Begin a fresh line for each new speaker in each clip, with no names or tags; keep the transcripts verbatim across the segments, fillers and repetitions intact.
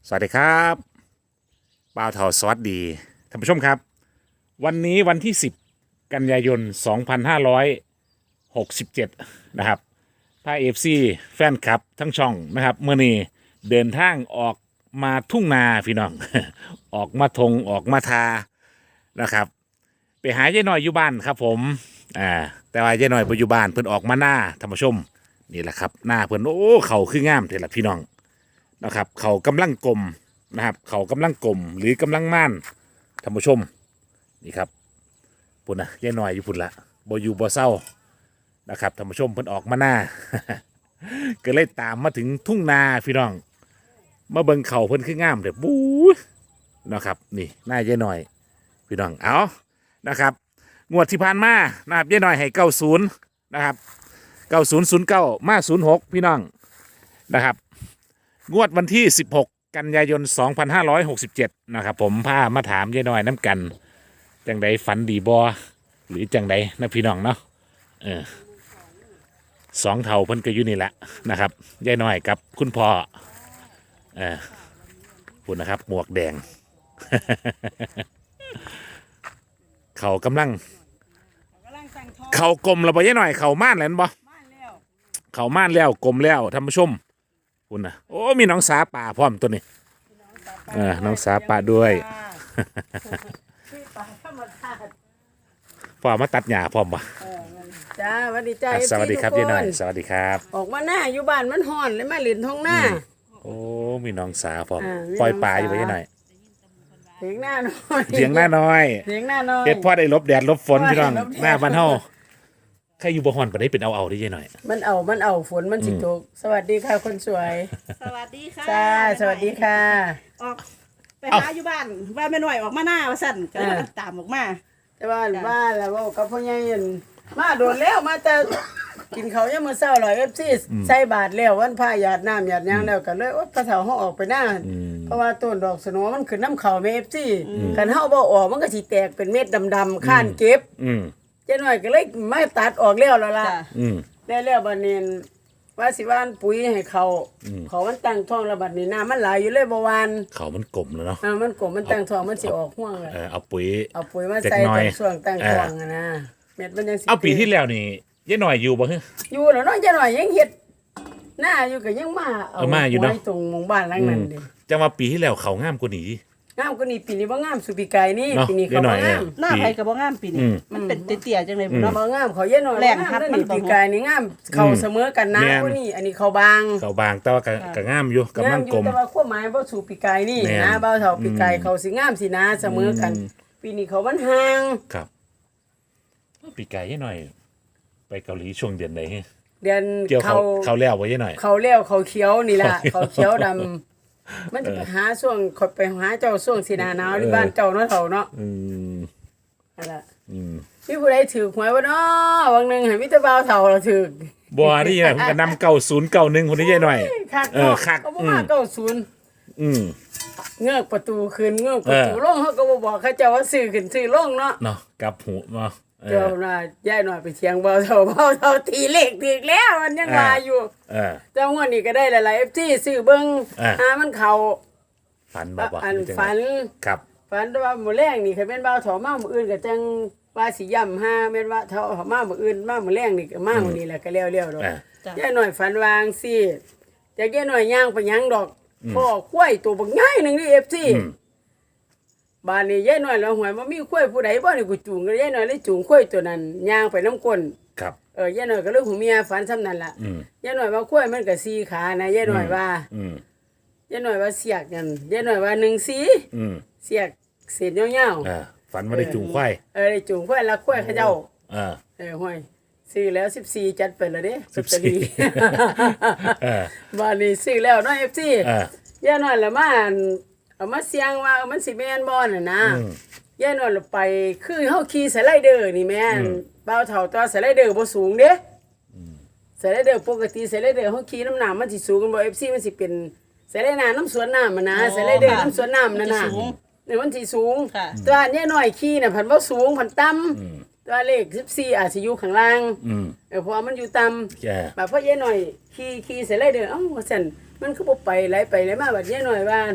สวัสดีครับบ่าวเทาสวัสดีท่านผู้ชมครับวันนี้วันที่สิบกันยายนสองพันห้าร้อยหกสิบเจ็ดนะครับพาเอฟซีแฟนคลับทั้งช่องนะครับเมื่อนี้เดินทางออกมาทุ่งนาพี่น้อง ออกมาทงออกมาทานะครับไปหายายหน่อยอยู่บ้านครับผมอ่าแต่ว่ายายหน่อยไปอยู่บ้านเพิ่นออกมาหน้าท่านผู้ชมนี่แหละครับหน้าเพิ่นโอ้เขาคืองามเท่าละพี่น้องนะครับเขากำลังกลมนะครับเขากำลังกลมหรือกำลังม่านท่านผู้ชมนี่ครับปุ่นนะยายหน่อยอยู่ปุ่นละบอยู่บ่เศร้านะครับท่านผู้ชมเพิ่นออกมาหน้า ก็เลยตามมาถึงทุ่งนาพี่น้องมาเบิ่งเขาเพิ่นคืองามเด้อบู๊นะครับนี่หน้ายายหน่อยพี่น้องเอานะครับงวดที่ผ่านมานะครับยายหน่อยให้เก้าศูนย์นะครับเก้าศูนย์ศูนย์เก้ามาศูนย์หกพี่น้องนะครับงวดวันที่สิบหกกันยายนสองพันห้าร้อยหกสิบเจ็ดนะครับผมพามาถามยายหน่อยน้ำกันจังใดฝันดีบอหรือจังใดนะพี่น้องเนาะเออสองเท่าเพิ่นก็อยู่นี่แหละนะครับยายหน่อยกับคุณพ่อเออคุณนะครับหมวกแดง เขากำลังเขากลมแล้วบ่ยายหน่อยเขาม่านแล้วบ่เขาม่านแล้วกลมแล้วท่านผู้ชมคุณนะโอ้มีน้องสาป่าพร้อมตัวนี้เออน้องสาป่าด้วยพ่อมาตัดหญ้าพร้อมปะ
จ้าสวัสดีจ้า
สวัสดีครับยายหน่อยสวัสดีครับ
ออกมาหน้าอยู่บ้านมันฮ้อนเลยมาเล่นท้องหน้า
โอ้มีน้องสาพร้อม
อ่ามี
ปล่อยปลา
น้องสา
อยู่ปะยายหน่อย
เถียงหน้าน้อย
เถียงหน้าน้อย
เถียงหน้าน้อย
เฮ็ดพ่อได้ลบแดดลบฝนพี่น้อง
ลบแดด
หน้าบ้านเฮาใครอยู่บ่ฮ้อนปานใดเป็นเอาเอาได้ยายหน่อย
มันเอามันเอาฝนมันสิตกสวัสดีค่ะคนสวย
สวัสดีค่ะ
จ้าสวัสดีค่ะ
ออกไปหาอยู่บ้านว่าแม่หน่อยออกมาหน้าว่าสั่นก็เลยตามออกมา
แต่ว่าบ้านแล้วว่ากับพ่อใหญ่นั่นมาโดนแล้วมาแต่กินเขาวยังมื้อเช้าหรอย เอฟ ซี ใส่บาทแล้ววันพระหยาดน้ำหยาดหยางแล้วก็เลยว่าพระเฒ่าเฮาออกไปหน้า
อืม
เพราะว่าต้นดอกสโนมันขึ้นน้ำเขาแม่ เอฟ ซี คันเฮาบ่ออกมันก็สิแตกเป็นเม็ดดำๆข้านเก็บ
อืม
เจ้าหน่อยก็เลยมาตัดออกแล้วแล้วล่ะ
จ้ะ
อืม
ได้แล้วบัดนี้ว่าสิว่านปุ๋ยให้เขา
อืม
เขามันตั้งท้องแล้วบัดนี้น้ำมันไหลอยู่เลยบ่หวาน
เขามันกลมแล้วเนาะ
น้ำมันกลมมันตั้งท้องมันสิออกห่วงเลย
เออเอาปุ๋ย
เอาปุ๋ยมา
จัก
ใส่
หน่
ต
อย
อนช่วงตั้งท้องอะนะเม็ดมันยังสิ
เอาปีที่แล้วนี่ยายหน่อยอยู่บ่ฮะ
อยู่แล้วเนาะเจ้าหน่อยยังเฮ็ดหน้าอยู่ก็ยังมา
เออมาอยู่เนาะ
ไว้ตรงหมู่บ้านหลังนั้นดิ
จังว่าปีที่แล้วเขางามกว่านี้
งามกว่านี้ปีนี้บ่งามสุปีกายนี่
เนาะ
ปีนี้เขา
เดี๋ยวหน่
บ่
อย
งาม
หน้าไผก็บ่งามปีนี้
อืม
มันเป็นเตี้ยๆจังเลยพุ่นเนาะ
บ่งามเขาเย็นหน่อย
แรง
บ่งาม
หัก
เด้อ
มัน
นี่
ก็
ปีกายนี่งามเขาเสมอกันนะ
แม่น
กว่านี้อันนี้เขาบาง
เขาบางแต่ว่าก็ก็งามอยู่กำลังกลม
แต่ว่าความหมายบ่สู่ปีกายนี่
แม่น
นะเบาเท่าปีกายเขาสิงามสินะเสมอกัน ปีนี้เขามันห่าง
ครับปีไก่ยายหน่อย ไปเกาหลีช่วงเดือนไหนฮะ
เดือน
เกี่ยวเขา
เขา
เขาแล้วไว้ยังหน่อย
เขาเลี้ยวเขาเขียวนี่ล่ะ เขาเขียวดำมันจะไปหาช่วงเขาไปหาเจ้าช่วงสิหนาหนาวที่บ้านเจ้าเนาะเฒ่าเนาะ
อืม
นั่นล่ะ
อืม
มีผู้ใดถือหวยบ่เนาะบางหนึงให้มีแต่บ่าวเฒ่าเราถือ
บัวนี่ไงผมก็นำเก่าศูนย์เก่าหนึ่งคนนี้ยายหน่อย
คัก
เออ
เนาะ
คัก
เขาบ่
อื
มาม เก้าศูนย์
อืม
เงือกประตูขึ้นเงือกประตู
เออ
ลงเขาก็บ่บอกเขาเจ้าว่าซื้อขึ้นซื้อลงเนาะ
เนาะกลับหูเนาะเอ
เจ้า
อ
น่ะยายหน่อยไปเถียงเบาเท่าเบาเท่าตีเลขถึกแล้วมันยังว่าอยู่
เออ
เจ้างวดนี้ก็ได้หลายๆ เอฟ ซี ซื้อเบิ่ง
อ่า
หามันเข้า
ฝันบอกว่า
อัน
หรือจังไง
ฝัน
ครับ
ฝันว่ามื้อแรงนี่คันแม่นเบาเท่ามามื้ออื่นก็จังว่าสิย่ำหาแม่นว่าเท่าเอามามื้ออื่นมามื้อแรงนี่ก็มามื้อนี้แหละก็แล้วๆดอก
อ่า
จ้ะ
ยายหน่อยฝันวาจั่งซี่แต่ยายหน่อยย่างไปหยังดอกพ่อควายตัวบักใหญ่หนึงนี่ เอฟ ซี
อืม
บ้านนี้ยายหน่อยแล้วหวยบ่มีควายผู้ใดบ่นี่กูจูงยายหน่อยเลยจูงควายตัวนั้นย่างไปน้ำก้น
ครับ
เออยายหน่อยก็เรื่องของเมียฝันซ้ำนั่นล่ะ
อืม
ยายหน่อยว่าควายมันก็สี่ขานะยายหน่อยว่า
อืม
ยายหน่อยว่าเสียกนั่นยายหน่อยว่าหนึ่งสี
อืม
เสียกเศษยาว
อ่าฝันว่าได้จุงควาย
ๆเออได้จูงควายละควายเขาเจ้า
อ่า
เออห้อยซื้อแล้วสิบสี่จัดไปแล้วเด้
สิบสี่
ลอตเตอรี่
เออ
บ้านนี้ซื้อแล้วเนาะ เอฟ ซี
อ่าย
ายหน่อยละมาอั่นเอามาเสียงว่ามันสิแม่นบ่น่ะนะ
อืม
ยายหน่อยละไปคือเฮาขี่สไลเดอร์นี่แม่น
อืม
บ่าวเฒ่าตัวสไลเดอร์บ่สูงเด้สไลเดอร์ปกติสไลเดอร์เฮาขี่น้ำหนักมันสิสูงกันบ่ เอฟ ซี มันสิเป็นสไลเดอร์น้ำสวนน้ำมันนะ
อ๋อ
สไลเดอร์
ค่ะ
น้ำสวนน้ำนั่นน่ะ
มันสิสูง
นี่มันสิสูง
ค่ะ
ตัวยายหน่อยขี่น่ะพันบ่สูงพันต่ำ
อืม
ตัวเลขสิบสี่อาจสิอยู่ข้างล่าง
อืม
เออเพราะว่ามันอยู่ต่ำ
แย่
บัดพอยายหน่อยขี่ขี่สไลเดอร์เอ้าว่าซั่นมันคือบ่ไปไหลไปไหลมาบัดยายหน่อยว่า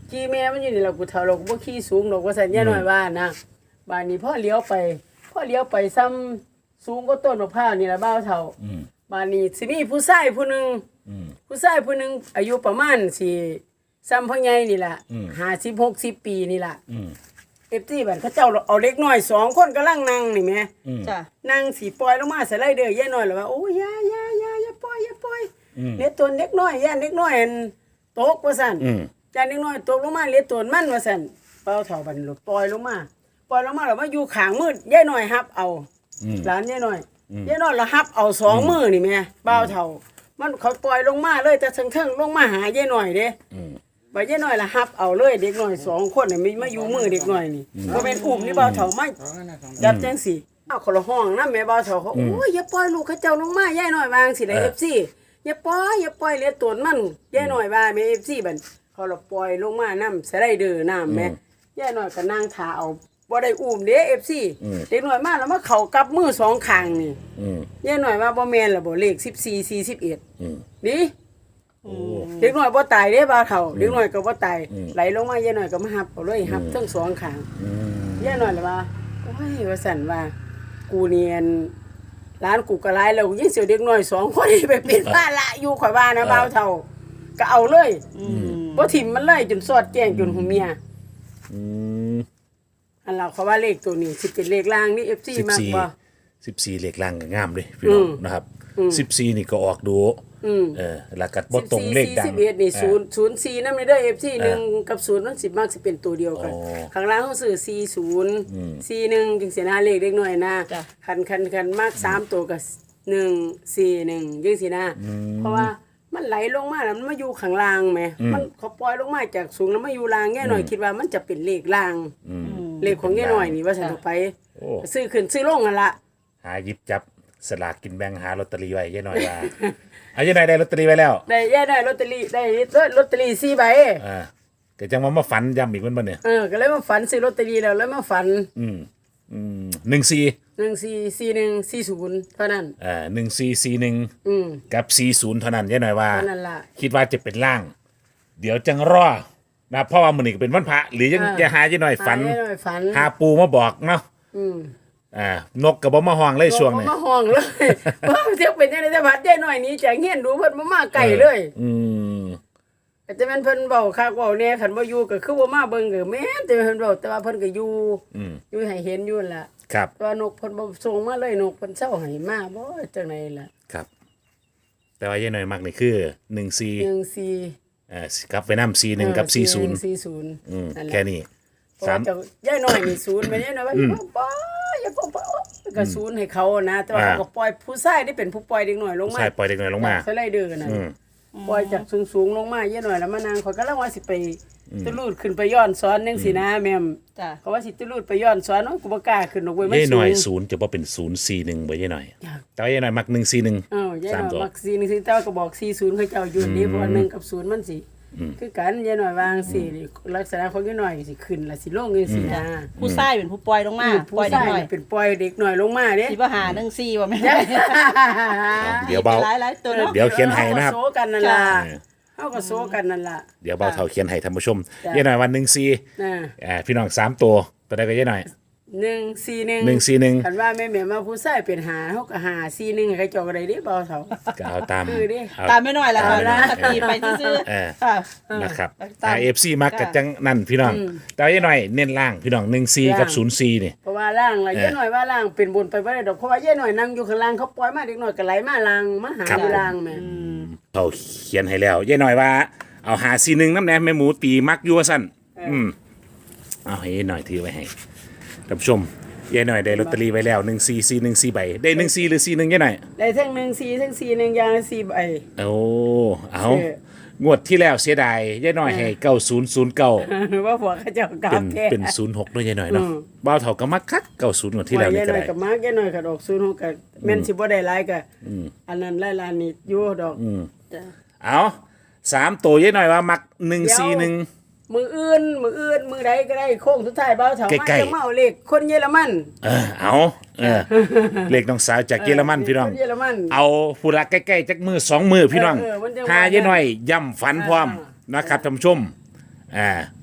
ขี่แม่มันอยู่นี่ล่ะกูเฒ่าเราก็บ่ขี่สูงดอกว่าซั่นย่าน้อยว่านะบ้านนี้พ่อเลี้ยวไปพ่อเลี้ยวไปซ้ำสูงกว่าต้นมะพร้าวนี่ล่ะบ้าวเฒ่า
อืม
บ้านนี้สิมีผู้ชายผู้หนึง
อืม
ผู้ชายผู้หนึงอายุประมาณสิซ้ำพ่อใหญ่นี่ล่ะ
อืม
ห้าสิบหกสิบปีนี่ล่ะ
อืม
เอฟซีบัดเขาเจ้าเอาเล็กน้อยสองคนกำลังนั่งนี่แหม
อืม
จ้ะ
นั่งสิปล่อยลงมาสไลเดอร์ย่าน้อยแล้วว่าโอ้ยอย่าอย่าอย่าอย่าปล่อยอย่าปล่อย
อืม
เล็ดตัวเล็กน้อยย่านเล็กน้อยอันตกว่าซั่น
อืม
ย่านเล็กน้อยตกลงมาเล็ดตัวมันว่าซั่นเป้าเฒ่าบัดนี้ลูกปล่อยลงมาปล่อยลงมาแล้วมาอยู่ข้างมืดย่าน้อยฮับเอา
อืม
หลานย่าน้อย
อืม
ย่าน้อยละฮับเอาสองมือนี่แหม่เป้าเฒ่า มันเขาปล่อยลงมาเลยแต่เทิงๆลงมาหาย่าน้อยเด้
อืม
บ่ย่าน้อยละฮับเอาเลยเด็กน้อยสองคนนี่มีมาอยู่มือเด็กน้อยนี่บ่แม่นอุ้มนี่เป้าเฒ่ามาจับจังสิเอาคนละห้องนำแม่เป้าเฒ่าเขาโอ้ยอย่าปล่อยลูกเขาเจ้าลงมาย่าน้อยวางสิได้ เอฟ ซี อย่าปล่อยอย่าปล่อยเลียตนมันย่าน้อยว่าแม่ เอฟ ซี บัดเขาละปล่อยลงมานำสไลเดอร์น้ำแม่ย่าน้อยก็นั่งท่าเอาบ่ได้อุ้มเด้ เอฟ ซี เด็กน้อยมาแล้วมาเข้ากับมือสองข้างนี่
อืม
ย่าน้อยว่าบ่แม่นล่ะบ่เลขสิบสี่ สี่สิบเอ็ด
อืม
ดิเด็กน้อยบ่ตายเด้บ่าวเฒ่าเด็กน้อยก็บ่ตายไหลลงมาย่าน้อยก็มาหับเอาเลยหับทั้งสองข้าง
อืม
ย่าน้อยล่ะว่าโอ้ยว่าซั่นว่ากูเนียนร้านกูก็หลายแล้วยิ่งเสียวเด็กน้อยสองคนนี่ไปเป็นภาระอยู่ข่อยว่านะบ่าวเฒ่าก็เอาเลย
อืม
บ่ถิ่มมันเลยจนสอดแจ้งจนหูเมีย
อืม
อันเราเขาว่าเลขตัวนี้สิเป็นเลขล่างนี่ เอฟ ซี
สิบ
มาก
สี่
บ่
สิบสี่เหล็กล่างก็งามเลยพี่น้อง
อืม
นะครับ
อืม
สิบสี่นี่ก็ออกดู
อืม
เออแล้วก็บ่ตรงเลขดัง
สิบเอ็ดนี่
เอ
ศู
อน
ย์ ศูนย์ สี่นำเด้อ เอฟ ซี
เออ
หนึ่งกับศูนย์มันสิมักสิเป็นตัวเดียวกัน
อ๋อ
ข้างล่างเขาซื้อสี่ศูนย์
อืม
สี่หนึ่งจังซี่นะเลขเด็กน้อยนะ
จ้ะ
คันคันคันมากสามตัวก็หนึ่ง สี่หนึ่งจังซี่นะเพราะว่ามันไหลลงมาแล้วมันมาอยู่ข้างล่างแหมมันเขาปล่อยลงมาจากสูงแล้วมาอยู่ล่างแง่หน่อยคิดว่ามันจะเป็นเลขล่าง
อืม
เลขของแง่หน่อยนี่ว่าซั่นเอาไป
โอ้
ซื้อขึ้นซื้อลงนั่นล่ะ
หาหยิบจับสลากกินแบ่งหาลอตเตอรี่ไว้ยายหน่อยว่า เอายายหน่อยได้ลอตเตอรี่ไว้แล้ว
ได้แย่ได้ลอตเตอรี่ได้ลอตเตอรี่สี่ใบ
อ่าก็จังว่ามาฝันย้ำอีกมันบ่เนี่ย
เออก็เลยมาฝันซื้อลอตเตอรี่แล้วแล้วมาฝัน
อืมอืมหนึ่งสี่
หนึ่งสี่สี่หนึ่งสี่ศูนย์เท่านั้น
อ่าหนึ่งสี่สี่หนึ่ง
อืม
กับสี่ศูนย์เท่านั้นยายหน่อยว่า
เท่านั้นล่ะ
คิดว่าจะเป็นล่าง เดี๋ยวจังรอนะเพราะว่ามันนี่ก็เป็นวันพระหรือยัง
อ่า
จะหายายหน่อยฝัน
หาแย่หน่อยฝัน
หาปูมาบอกเนาะ
อืม
อ่านกกับบ่มาห้องเลยช่วงนี้
บ่มาห้องเลย ว่าเที่ยวเป็นจังได๋แต่พัดแย่หน่อยนี้จากเฮียนดูเพิ่นบ่มาไกลเลย
อืม
แต่แม่นเพิ่นเว้าคักเว้าแหน่คันบ่อยู่ก็คือบ่มาเบิ่งก็แม่นแต่เพิ่นเว้าแต่ว่าเพิ่นก็อยู่
อืม
อยู่ให้เห็นอยู่นั่นล่ะ
ครับ
แต่ว่านกเพิ่นบ่ส่งมาเลยนกเพิ่นเซาให้มาบ่จังไดล่ะ
ครับ แต่ว่ายายหน่อยมักนี่คือหนึ่งสี่
หนึ่งสี่
เอ่อกลับไปน้ำสี่หนึ่งกับสี่ศูนย์
สี่ศูนย์
อืม
นั่นแหละ
แค่นี้
เพราะ
สา
ว่าม เจ้าย่ายน้อยนี่ศูนย์แม่ย่ายน้อยว่าอย่าปล่อยอย่าปล่อยก็ศูนย์ให้เขานะ แต่ว่า
อ่า
เขาก็ปล่อยผู้ชายที่เป็นผู้ปล่อยเด็กน้อยลงมา
ใช่ปล่อยเด็กน้อยลงมา
สไลเดอร์นั่น
อืม
ปล่อยจากสูงๆลงมาย่ายน้อยแล้วมานางเขาก็ลังว่าสิไปตุลูดขึ้นไปย้อนสอนจังซี่นะแม่ม
จ้ะ
เขาว่าสิตุลูดไปย้อนสอนเนาะกูบ่กล้าขึ้นดอกเว้ยมัน
ยายห
สู
น่อย
ง
ศูนย์จะบ่เป็นศูนย์สี่หนึ่งบ่ยายหน่อย
อยาก
แต่ว่ายายหน่อยมักหนึ่งสี่หนึ่ง
เอ้ายาย
สาม
น้อย
ตัว
มักสี่นี่คือแต่ว่าก็บอกสี่ศูนย์เขาเจ้าอยู่นี่เพราะว่าหนึ่งกับศูนย์มันสิคือกันยายน้อยวางสินี่ลักษณะของยายน้อยสิขึ้นล่ะสิลงจังซี่นะ
ผู้ชายเป็นผู้ปล่อยลงมา
ผู้
ปล่อยเด็ก
ชาย
น้อย
นี่เป็นปล่อยเด็กน้อยลงมาเด้
สิบ่หาหนึ่งสี่ว่าแม่น
เดี๋ยวเบา
หลายหลายๆตัวเนาะ
เดี๋ยวเขียนให้นะครับ
เฮาก็โซกันนั่นล่ะ
เออ
เฮาก็โซกันนั่นล่ะ
เดี๋ยวเบาเท่าเขียนให้ท่านผู้ชม
จ้ะ
ยายหน่อยวันหนึ่งสี่
นะ
อ่าพี่น้องสามตัวตัวใดก็ยายหน่อย
หนึ่งสี่หนึ่ง
หนึ่งสี่หนึ่ง
คันว่าแม่แม่มาผู้ชายเป็นหาเฮาก็หาสี่หนึ่งให้เขาเจ้าก็ได้เด้เบาเฒ่า
ก็เอาตาม
คือดิ
เอา
ตามไม่น้อยละค่ะ
ตามไม่น้อย
สตีไปซื่อ
เออ
ๆค่ะ
นะครับ
ตาม
เอฟซีมักกับจังนั่นพี่น้องแต่ว่ายายหน่อยเน้นล่างพี่น้องหนึ่งสี่กับศูนย์สี่นี่
เพราะว่าล่างล่ะ
เออ
ยายน้อยว่าล่างเป็นบนไปบ่ได้ดอกเพราะว่ายายน้อยนั่งอยู่ข้างล่างเขาปล่อยมาเด็กน้อยก็ไหลมาล่างมาหา
ครับ
อยู่ล่างแม่
เขาเขียนให้แล้วยายหน่อยว่าเอาหาซีหนึ่งน้ำแหนมแม่หมูตีมักอยัวสั้นอืมเอาให้ยายหน่อยถือไว้ให้ท่านผู้ชมยายหน่อยได้ลอตเตอรี่ไว้แล้วหนึ่งสี่สี่หนึ่งสี่ใบได้หนึ่งสี่หรือสี่หนึ่งยายหน่อย
ได้ทั้งหนึ่งสี่ทั้งสี่หนึ่งอย่างละสี่ใบ
โอ้เอา
เออ
งวดที่แล้วเสียดายยายหน่อยให้เก้าศูนย์ศูนย์เก้า
ว่าพวกเขาเจ้ากรา
เป็
บ
น
แท้
เป็นศูนย์หกด้วยยายหน่อยเนาะ
อืม
บ้าวเถาก็มักคักเก้าศูนย์งวดที่แล้วนี่
ยาย
ก็
น้อย
ได้
กับมากยายน้อยกับดอกศูนย์หกกับแม่นสิบ่ได้หลายก็อันนั้นหลายๆนี่อยู่ดอกจ้ะ
เอาสามตัวยายหน่อยว่ามักหนึ่งสี่หนึ่ง
มืออื่นมืออื่นมือใดก็ได้โค้งสุดท้ายเบาเถามา
ใกล้ๆ
จะมาเอาเลขคนเยอรมัน
เออเอาเออเลขน้องสาวจากเยอรมันพี่น้อง
คนเยอรมัน
เอาผู้ละใกล้ๆจักมือสองมือพี่น้อง
เออเออมันจะ
หา
ว่า
เยอะหน่อยย่ำฝันพร้อม
อ่า
นะครับท่านผู้ชมอ่า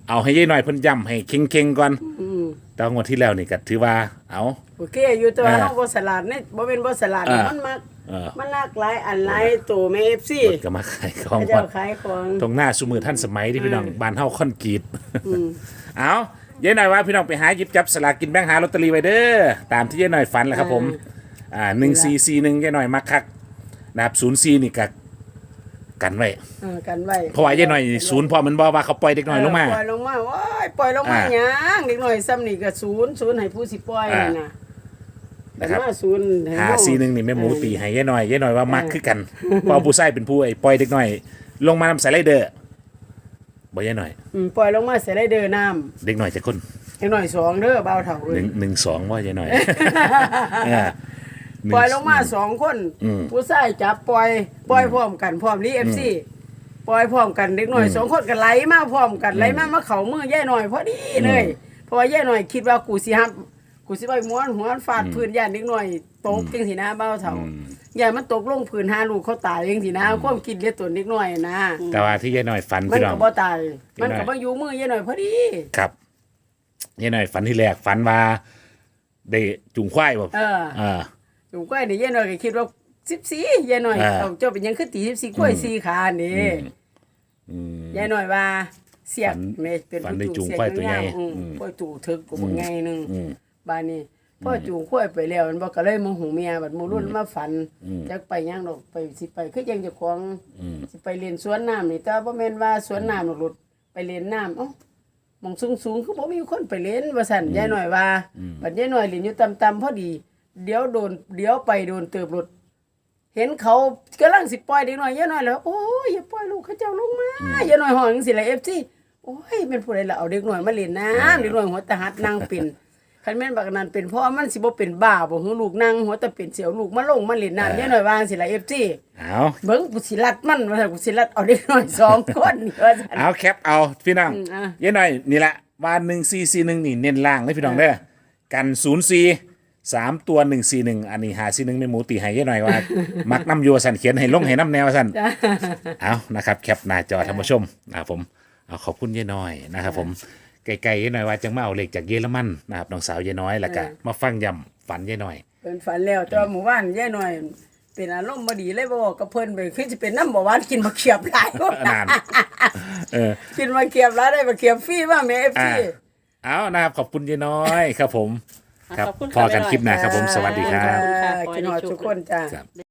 เอาให้ยายหน่อยเพิ่นย้ำให้เค็งๆก่อน
อืม
แต่ว่างวดที่แล้วนี่ก็ถือว่าเอา
โอเคอยู่แต่ว่า
เออ
เฮาบ่สลัดนี่บ่เป็นบ่สลัด
เออ
มันมัก
เออ
มันหลากหลายอันหลายตัวแม่ เอฟ ซี
เพิ่นก็มาขายของ
เขา
ก่อ
เจ้าน ขายของ
ตรงหน้าสุมือท่านสมัยที่พี่น้องบ้านเฮาค่อนกรีด
อืม
เอายายหน่อยว่าพี่น้องไปหาหยิบจับสลากกินแบ่งหาลอตเตอรี่ไว้เด้อตามที่ยายหน่อยฝันแหละครับผมอ่าหนึ่งสี่สี่หนึ่งยายหน่อยมักคักนะครับศูนย์สี่นี่ก็กันไว้
เออกันไว้
เพราะว่ายายหน่อยศูนย์พอมันบอกว่าเขาปล่อยเด็กน้อยลงมา
เปล่อยลงมาว้ายปล่อยลงมา
อ่า
หยังเด็กน้อยซ้ำนี่ก็ศูนย์ศูนย์ให้ผู้สิปล่อยนั่นน่ะ
นะครับ
แต่ว่าศูนย์ให้
หา
เฮา
สี่หนึ่งนี่แม่หมูตีให้ยายหน่อยยายหน่อยว่ามักคือกันเพราะผู้ใส่เป็นผู้ไอ้ปล่อยเด็กน้อย ลงมานำสไลเดอร์บ่ยายหน่อย
อืมปล่อยลงมาใส่ไรเดอร์น้ำ
เด็กน้อยจะคน
เด็กน้อยสองเด้อเบาเท่า
ห
เอ้
นึ่
ย
งหนึ่งสองว่ายายหน่อยเออหนึ่ง
ปล่อยลงมาสองคน
อืม
ผู้ชายจับปล่อยปล่อยพร้อมกันพร้อมรีเอฟซีปล่อยพร้อมกันเด็กน้อยสองคนก็ไหลมาพร้อมกันไหลมามาเข้ามือย่ายหน่อยพอดีเลยเพราะว่าย่ายหน่อยคิดว่ากูสิฮับกูสิไปม้วนหัวฟาดพื้นย่านเด็กน้อยตกจังสินะเบาเท่าย่านมันตกลงพื้นหาลูกเขาตายจังสินะความคิดเรียกตัวเด็กน้อยนะ
แต่ว่าที่ยายหน่อยฝัน
มัน
พี่น้อ
ก็
ง
บ่ตาย
พี่
มัน
น้อย
ก็บ่อยู่มือย่ายหน่อยพอดี
ครับยายหน่อยฝันที่แรกฝันว่าได้จุงควายบ่
เออ
เออ
อยู่ใกล้นี่ย่ายหน่อยก็คิดว่าสิบสี่ย่ายหน่อย
อ่า
เอาเจ้าเป็นหยังคือตีสิบสี่กล้วยสี่ขานี่
อืม
ยายหน่อยว่าเสียก
ฝัน
แม่เป็น
ฝันได้
ผู้
จูง
เสีก
ควายตัวใหญ่
อืม
อืม
ควายจูงถึกกูบ่ไงนึง
อืม
บ้านนี้พ่อจูงควายไปแล้วมันบ่ก็เลยโมโหเมียบัดโมรุ่นมาฝัน
อืม
จักไปหยังดอกไปสิไปคือยังเจ้าของ
อืม
สิไปเล่นสวนน้ำนี่แต่บ่แม่นว่าสวนน้ำหรอกหลุดไปเล่นน้ำเอ้าหมองสูงๆคือบ่มีคนไปเล่นว่าซั่นยายหน่อยว่าบัดยายหน่อยเล่นอยู่ต่ำๆพอดี เดี๋ยวโดนเดี๋ยวไปโดนเติบหลุด เห็นเขากำลังสิปล่อยเด็กน้อยยายหน่อยแล้วโอ้ยอย่าปล่อยลูกเขาเจ้าลงมายายหน่อยห้องจังซี่ล่ะ เอฟ ซี โอ้ยเป็นผู้ใดล่ะเอาเด็กน้อยมาเล่นน้ำเด็กน้อยหัวตาหัดนั่งเป็นคันแม่นบักนั้นเป็นพ่อมันสิบ่เป็นบ้าบ่หือลูกนั่งหัวตาเป็นเสียวลูกมาลงมาเล่นน้ำยายหน่อยวางสิล่ะ เอฟ ซี
เอา
เบิ่งกูสิรัดมันว่าซั่นกูสิรัดเอาเด็กน้อยสองคนนี่ว่าซั่น
เอาแคปเอาพี่น้อง
อืมอ่ะ
ยายหน่อยนี่แหละว่าหนึ่งสี่สี่หนึ่งนี่เน้นล่างเลยพี่น้องเด้อกันศูนย์สี่สามตัวหนึ่งสี่หนึ่งอันนี้หาสี่หนึ่งไม่หมูตีให้ยายหน่อยว่า มักน้ำโยสันเขียนให้ลงให้น้ำแนวสัน เอานะครับแคปหน้าจอท่านผู้ชมนะครับผมเอาขอบคุณยายน้อยนะครับผมไกลๆยายน้อยว่าจังมาเอาเหล็กจากเยอรมันนะครับน้องสาวยายน้อยแล้วก็มาฟังย้ำฝันยายน้อย
เพิ่นฝันแล้วแต่ว่าหมู่บ้านยายหน่อย เป็นอารมณ์บ่ดีเลยบ่บอกกับเพิ่นไปคือสิเป็นน้ำบ่หวานกินมะเขียบหลาย
นานเออ
กินมะเขียบหลายได้มะเขียบฟรีว่าแม่ เอฟ ซี
อ่าเอานะครับขอบคุณยายน้อยครับผมครับ
ขอบคุณ
พอ
ค่ะ
กันคลิปหน้าครับผมสวัสดีครับ
ขอบคุณค่ะ
กินหอดทุกคนจ้า
ครับ